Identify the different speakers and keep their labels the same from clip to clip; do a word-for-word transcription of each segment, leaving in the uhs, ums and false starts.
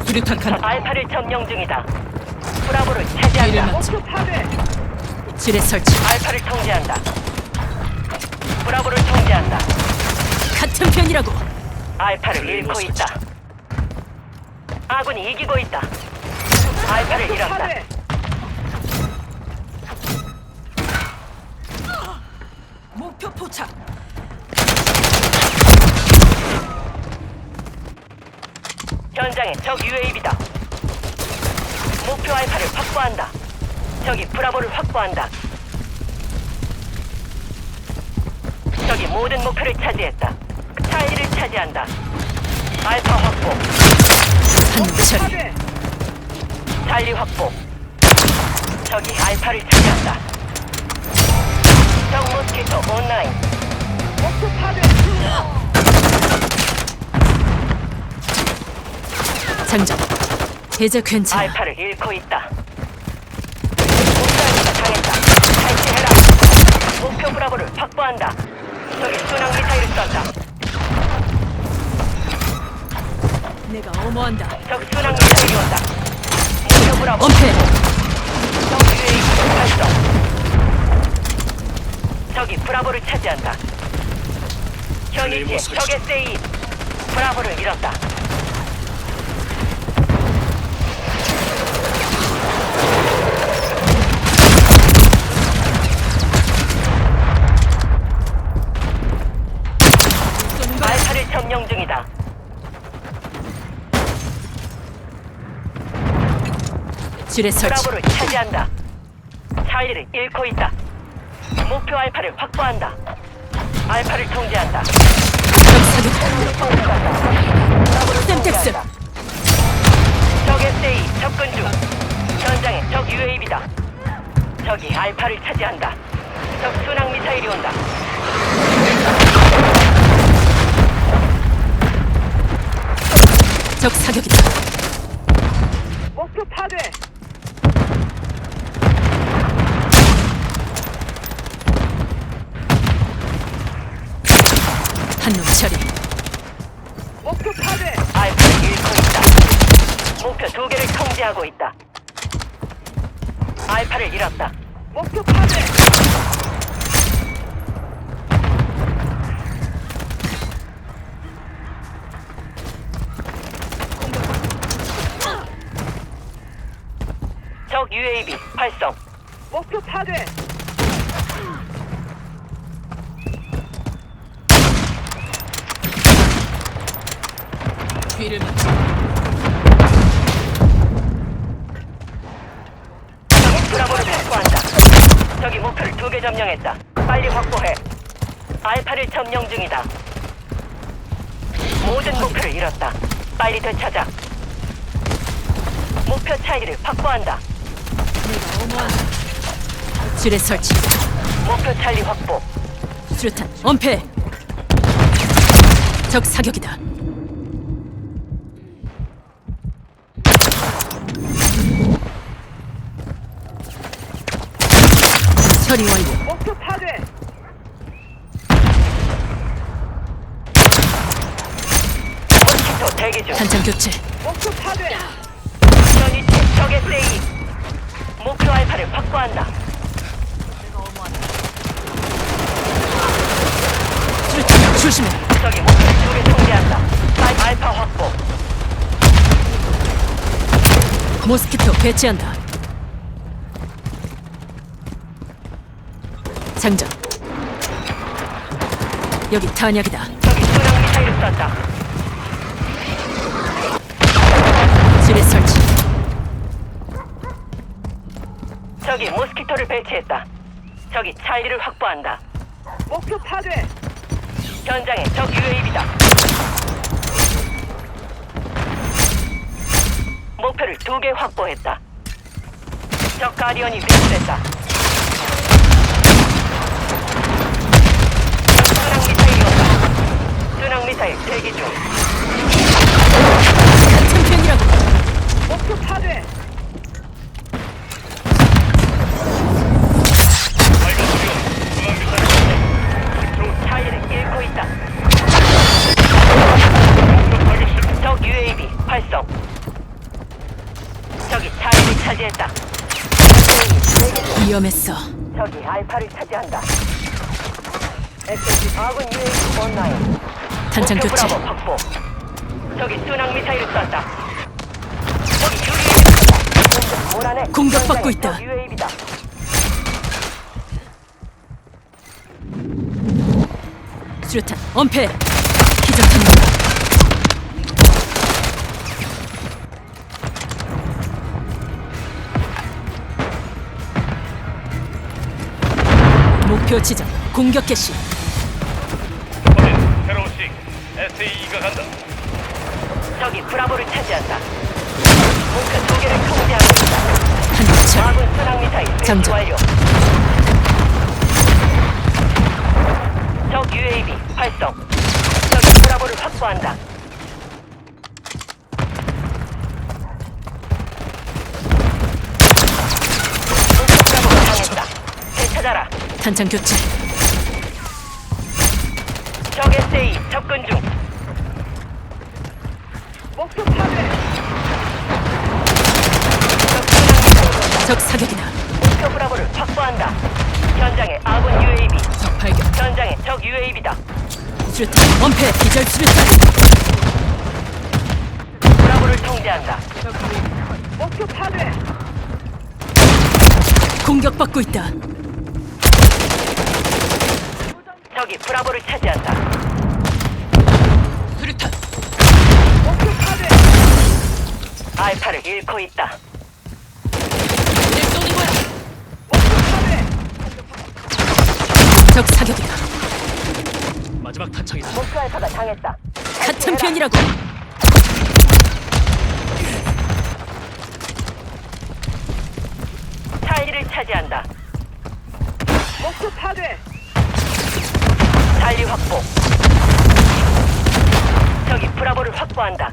Speaker 1: 수류탄 칸.
Speaker 2: 알파를 점령 중이다. 브라보를 차지한다.
Speaker 1: 목표 지뢰 설치.
Speaker 2: 알파를 통제한다. 브라보를 통제한다.
Speaker 1: 같은 편이라고.
Speaker 2: 알파를 잃고 있다. 아군이 이기고 있다. 알파를 잃었다.
Speaker 1: 목표 포착.
Speaker 2: 현장에 적 유에이비다. 목표 알파를 확보한다. 적이 브라보를 확보한다. 적이 모든 목표를 차지했다. 차이를 차지한다. 알파 확보.
Speaker 1: 한철.
Speaker 2: 찰리 확보. 적이 알파를 차지한다. 적 모스키토 온라인. 목표 파괴.
Speaker 1: 장전. 이제 괜찮아.
Speaker 2: 알파를 잃고 있다. 목표가 당했다. 탈취해라. 목표 브라보를 확보한다. 적이 순항 미사일을 쏜다.
Speaker 1: 내가 어머한다.
Speaker 2: 적 순항 미사일이 온다. 목표 브라보.
Speaker 1: 엄폐.
Speaker 2: 적 유에이비 활성. 적이 브라보를 차지한다. 현위치에 적의 세이. 브라보를 잃었다. 알파를 점령 중이다.
Speaker 1: 지뢰 설치.
Speaker 2: 브라보를 차지한다. 찰리를 잃고 있다. 목표 알파를 확보한다. 알파를 통제한다.
Speaker 1: 적 사격.
Speaker 2: 브라보를
Speaker 1: 셈텍스.
Speaker 2: 통제한다. 적 에스에이 접근 중. 현장에 적 유에이비다. 적이 알파를 차지한다. 적 순항 미사일이 온다.
Speaker 1: 적 사격이다.
Speaker 2: 목표 파괴.
Speaker 1: 한놈 처리.
Speaker 2: 목표 파괴. 알파를 잃고 있다. 목표 두 개를 통제하고 있다. 알파를 잃었다. 목표 파괴. 적 유에이비 활성. 목표 파괴.
Speaker 1: 뒤를 맞춰.
Speaker 2: 적이 브라보를 확보한다. 적이 목표를 두 개 점령했다. 빨리 확보해. 알파를 점령 중이다. 모든 목표를 잃었다. 빨리 되찾아. 목표 차이를 확보한다.
Speaker 1: 내가 어머한다. 지뢰 설치.
Speaker 2: 목표 찰리 확보.
Speaker 1: 수류탄. 엄폐. 적 사격이다. 처리 완료.
Speaker 2: 목표 파괴. 모스키토 대기 중.
Speaker 1: 탄창 교체.
Speaker 2: 목표 파괴. 현위치 적의 세이. 목표 알파를 확보한다.
Speaker 1: 수류탄 조심해.
Speaker 2: 적이 목표를 두개 통제한다. 알- 알파 확보.
Speaker 1: 모스키토 배치한다. 장전. 여기 탄약이다.
Speaker 2: 적이 순항 미사일을 쐈다.
Speaker 1: 지뢰 설치.
Speaker 2: 적이 모스키토를 배치했다. 적이 찰리를 확보한다. 목표 파괴. 현장에 적 유에이비다. 목표를 두 개 확보했다. 적 가디언이 위치됐다. 순항 미사일이 온다. 순항 미사일 대기 중.
Speaker 1: 같은 편이라고.
Speaker 2: 목표 파괴. 차이를 잃고 있다. 적 유에이비 활성.
Speaker 1: 위험했어.
Speaker 2: 적이 알파를 차지한다. 에스엠지 아군 유에이티 온라인.
Speaker 1: 탄창
Speaker 2: 목표
Speaker 1: 교체.
Speaker 2: 브라보 확보. 적이 순항 미사일을 쐈다. 적이 유리에 몰아내.
Speaker 1: 공격받고 있다.
Speaker 2: 적 유에이비다.
Speaker 1: 수류탄 엄폐. 기절탄입니다. 목표 지점 공격 개시.
Speaker 3: 확인. 새로운 식. 에스에이가 간다.
Speaker 2: 적이 브라보를 차지한다. 목표 두 개를 통제하고 있다.
Speaker 1: 한대 처리.
Speaker 2: 아군 순항 미사일 배치
Speaker 1: 장전.
Speaker 2: 완료. 적 유에이비 활성. 적이 브라보를 확보한다. 목표 브라보가 당했다. 되찾아라.
Speaker 1: 탄창 교체.
Speaker 2: 적 에스에이 접근 중. 목표 파괴. 적 순항 미사일
Speaker 1: 적 사격이다.
Speaker 2: 목표 브라보를 확보한다. 현장에 아군 유에이비.
Speaker 1: 적 발견.
Speaker 2: 현장에 적 유에이비다.
Speaker 1: 수류탄 엄폐. 기절 수류탄.
Speaker 2: 브라보를 통제한다. 목표 파괴.
Speaker 1: 공격받고 있다.
Speaker 2: 적이 브라보를 차지한다.
Speaker 1: 수류탄.
Speaker 2: 목표 파괴. 알파를 잃고 있다.
Speaker 1: 내 쏘는 거야.
Speaker 2: 목표 파괴.
Speaker 1: 적 사격이다.
Speaker 3: 마지막 탄창이다.
Speaker 2: 목표 알파가 당했다.
Speaker 1: 같은 편이라고.
Speaker 2: 차이를 차지한다. 목표 파괴. 달리 확보. 적이 브라보를 확보한다.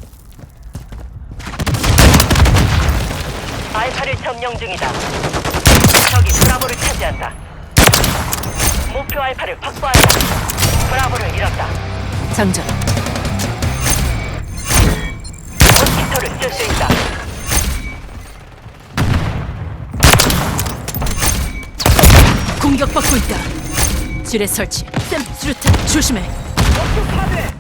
Speaker 2: 알파를 점령 중이다. 적이 브라보를 차지한다. 목표 알파를 확보한다. 브라보를 잃었다.
Speaker 1: 장전.
Speaker 2: 모스키토를 쓸 수 있다.
Speaker 1: 공격받고 있다. 지뢰 설치. 쌤 수류탄 조심해.
Speaker 2: 목표 파괴.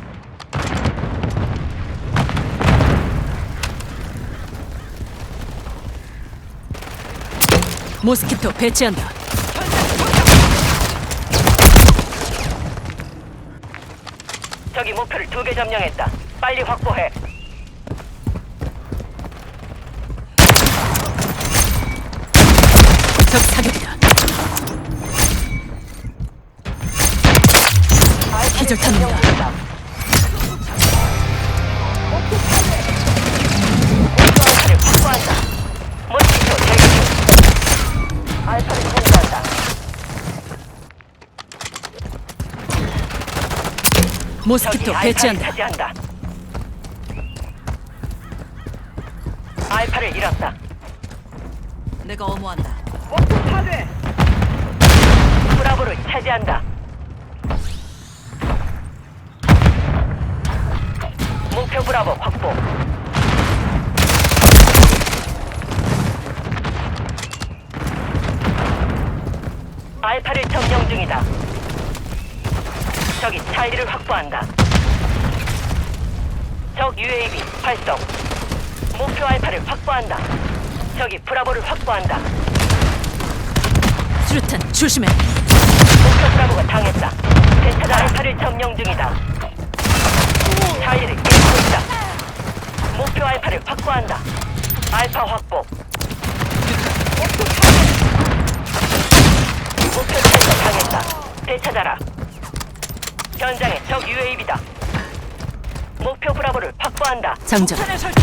Speaker 1: 모스키토 배치한다.
Speaker 2: 적이 목표를 두 개 점령했다. 빨리 확보해.
Speaker 1: 적 사격이다. 기절탄입니다.
Speaker 2: 목표 알파를 확보한다. 모스키토 대기 중. 알파를 공개한다.
Speaker 1: 모스키토
Speaker 2: 적이 알파를
Speaker 1: 배치한다.
Speaker 2: 차지한다. 알파를 잃었다.
Speaker 1: 내가 어무한다.
Speaker 2: 목표 파괴. 브라보를 차지한다. 목표 브라보 확보. 알파를 점령 중이다. 적이 차이를 확보한다. 적 유에이비 활성. 목표 알파를 확보한다. 적이 브라보를 확보한다.
Speaker 1: 수류탄 조심해.
Speaker 2: 목표 브라보가 당했다. 대차가 알파를 점령 중이다. 차이를 잃고 있다. 목표 알파를 확보한다. 알파 확보. 목표 차이가 당했다. 되찾아라. 현장에 적 유에이비다. 목표 브라보를 확보한다.
Speaker 1: 장전.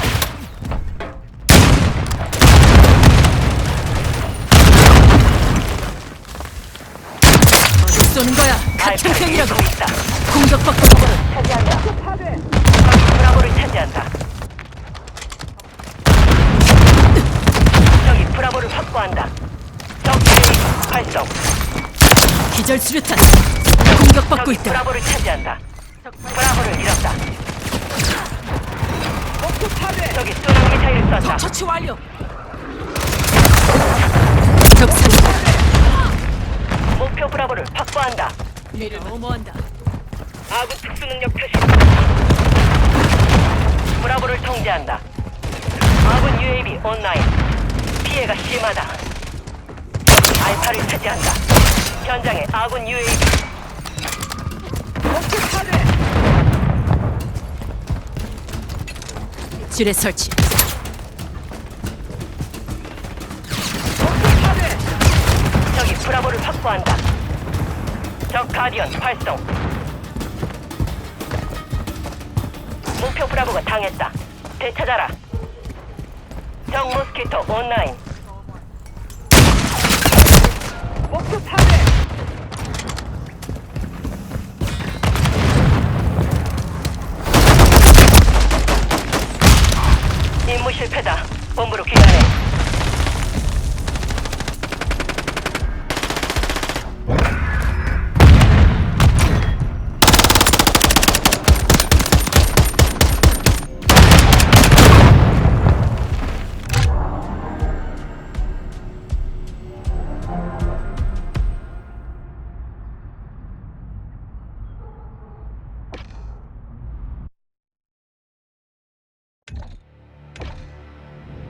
Speaker 1: 어디 쏘는 거야? 같은
Speaker 2: 알파를
Speaker 1: 편이라고.
Speaker 2: 잃고 있다.
Speaker 1: 공격받고 있다.
Speaker 2: 차지한다. 적이 브라보를 차지한다. 적이 브라보를 확보한다. 적 유에이비 활성.
Speaker 1: 기절 수류탄. 공격받고
Speaker 2: 적이
Speaker 1: 있다.
Speaker 2: 브라보를 차지한다. 브라보를 잃었다. 적이 순항 미사일을 쐈다.
Speaker 1: 처치 완료. 적 사격.
Speaker 2: 브라보를 확보한다.
Speaker 1: 내가 어머한다.
Speaker 2: 아군 특수능력 표시. 브라보를 통제한다. 아군 유에이비 온라인. 피해가 심하다. 알파를 차지한다. 현장에 아군 유에이비.
Speaker 1: 지뢰 설치.
Speaker 2: 적이 브라보를 확보한다. 적 가디언 활성. 목표 브라보가 당했다. 되찾아라. 적 모스키토 온라인.